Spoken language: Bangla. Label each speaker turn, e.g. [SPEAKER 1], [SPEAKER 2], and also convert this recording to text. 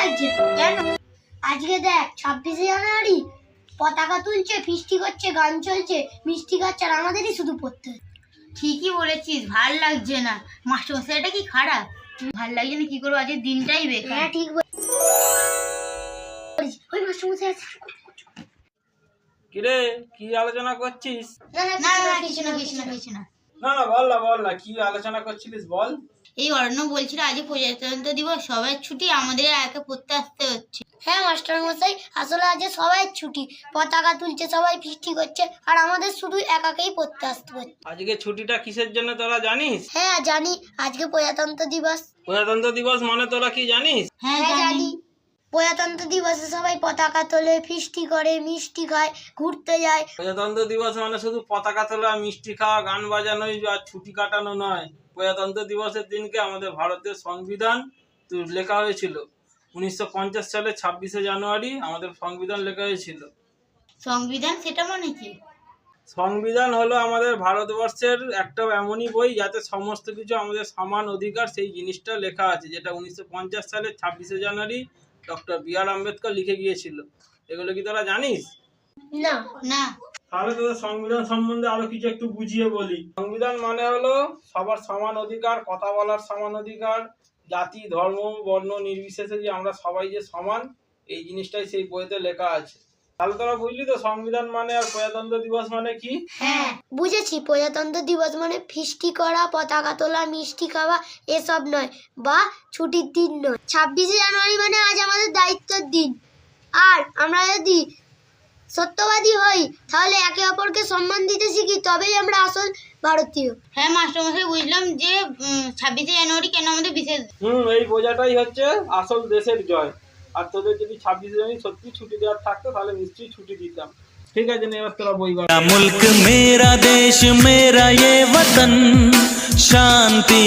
[SPEAKER 1] লাগছে। কেন? আজকে দেখ 26শে জানুয়ারি পতাকা তুলছে, ফিস্টি করছে, গান চলছে, মিষ্টি খাচ্ছে, আর আমাদেরই শুধু পড়তে হচ্ছে।
[SPEAKER 2] ঠিকই বলেছিস, ভাল লাগছে না। মাস্টারমশাই এটা কি খারাপ? ভাল লাগছে না কি করবো, আজকের দিনটাই বেকার।
[SPEAKER 1] হ্যাঁ ঠিক বলিস। ওই মাস্টারমশাই আছে।
[SPEAKER 3] কিরে কি আলোচনা করছিস?
[SPEAKER 1] না না
[SPEAKER 2] না না
[SPEAKER 1] কিছু
[SPEAKER 2] কিছু
[SPEAKER 1] না
[SPEAKER 2] না
[SPEAKER 1] কিছু
[SPEAKER 2] কিছু
[SPEAKER 1] না
[SPEAKER 2] না
[SPEAKER 1] কিছু না।
[SPEAKER 2] কিছু না।
[SPEAKER 3] না বল না কি আলোচনা করছিলিস বল।
[SPEAKER 2] এই অরণ্য বলছিল আজ প্রজাতন্ত্র দিবস, সবাই ছুটি, আমাদের একা পড়তে আসতে হচ্ছে।
[SPEAKER 1] হ্যাঁ মাস্টারমশাই, আসলে আজ সবাই ছুটি, পতাকা তুলছে, সবাই ফিস্টি করছে, আর আমাদের শুধু একাকেই পড়তে আসতে হচ্ছে।
[SPEAKER 3] আজকে ছুটিটা কিসের জন্য তোরা জানিস?
[SPEAKER 1] হ্যাঁ জানি, আজকে প্রজাতন্ত্র দিবস।
[SPEAKER 3] প্রজাতন্ত্র দিবস মানে তোরা কি জানিস?
[SPEAKER 2] হ্যাঁ
[SPEAKER 1] হ্যাঁ
[SPEAKER 2] জানি।
[SPEAKER 1] জানি। প্রজাতন্ত্র দিবসে সবাই পতাকা তোলে, ফিস্টি করে, মিষ্টি খায়, ঘুরতে যায়।
[SPEAKER 3] প্রজাতন্ত্র দিবস মানে শুধু পতাকা তোলা, মিষ্টি খাওয়া, গান বাজানোই আর ছুটি কাটানো নয়। প্রজাতন্ত্র দিবসের দিনকে আমাদের ভারতের সংবিধান লেখা হয়েছিল। 1950 সালে 26শে জানুয়ারি আমাদের সংবিধান লেখা হয়েছিল।
[SPEAKER 2] সংবিধান সেটা মানে কি?
[SPEAKER 3] সংবিধান হলো আমাদের ভারতবর্ষের একটা এমনই বই যাতে সমস্ত কিছু আমাদের সমান অধিকার, সেই জিনিসটা লেখা আছে, যেটা 1950 সালে 26শে জানুয়ারি ডক্টর বি.আর. আম্বেদকর লিখে গিয়েছিল। এগুলো কি তোরা জানিস?
[SPEAKER 1] না
[SPEAKER 2] না।
[SPEAKER 3] তাহলে তোদের সংবিধান সম্বন্ধে আরো কিছু একটু বুঝিয়ে বলি। সংবিধান মানে হলো সবার সমান অধিকার, কথা বলার সমান অধিকার, জাতি ধর্ম বর্ণ নির্বিশেষে যে আমরা সবাই যে সমান, এই জিনিসটাই সেই বইতে লেখা আছে। তাহলে তোরা বুঝলি তো সংবিধান মানে আর প্রজাতন্ত্র দিবস মানে কি?
[SPEAKER 1] হ্যাঁ বুঝেছি, প্রজাতন্ত্র দিবস মানে ফিস্টি করা, পতাকা তোলা, মিষ্টি খাওয়া এসব নয়, বা ছুটির দিন নয়। 26শে জানুয়ারি মানে আজ আমাদের দায়িত্বের দিন, আর আমরা যদি সত্যবাদী হই তাহলে একে অপরকে সম্মান দিতে শিখি, তবেই আমরা আসল ভারতীয়।
[SPEAKER 2] হ্যাঁ মাস্টারমশাই, বুঝলাম যে 26শে জানুয়ারি কেন আমাদের বিশেষ।
[SPEAKER 3] এই বোঝাটাই হচ্ছে আসল দেশের জয়। আর তোদের যদি 26শে জানুয়ারি সত্যি ছুটি দেওয়ার থাকতো তাহলে নিশ্চয়ই ছুটি দিতাম। ঠিক আছে, এবার তোরা বই
[SPEAKER 4] मुल्क मेरा देश मेरा ये वतन शांति